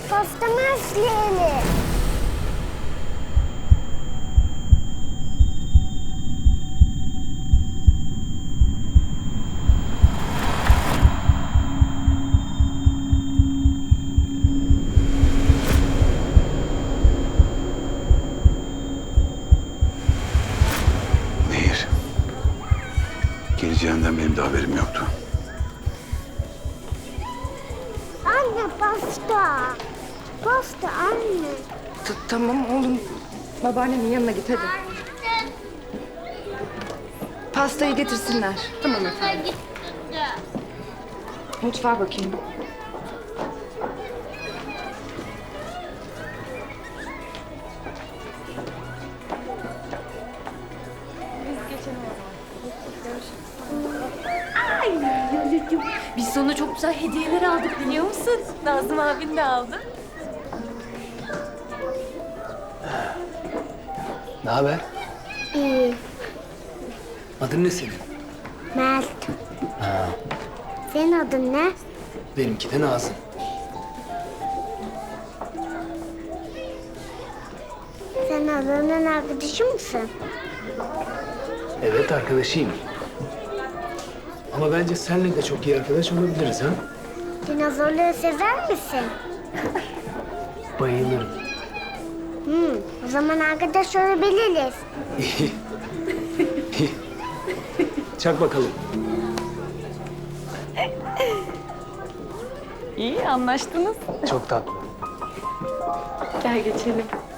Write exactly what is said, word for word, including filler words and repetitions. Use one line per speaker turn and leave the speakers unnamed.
pastamı üfleyelim.
Nehir. Geleceğinden benim de haberim yoktu.
Anne pasta. Pasta anne.
T- Tamam oğlum. Babaannenin yanına git hadi. Pastayı getirsinler. Tamam efendim. Mutfağa bakayım.
Biz sana çok güzel hediyeler aldık biliyor musun? Nazım abin de aldı.
Ne haber?
İyi.
Adın ne senin?
Mert. Senin adın ne?
Benimki de Nazım.
Sen Adana'nın arkadaşı mısın?
Evet, arkadaşıyım. Ama bence seninle de çok iyi arkadaş olabiliriz ha?
Dinozorları sever misin?
Bayılırım.
Hmm, o zaman arkadaş olabiliriz.
İyi. İyi. Çak bakalım.
İyi anlaştınız.
Çok tatlı.
Gel geçelim.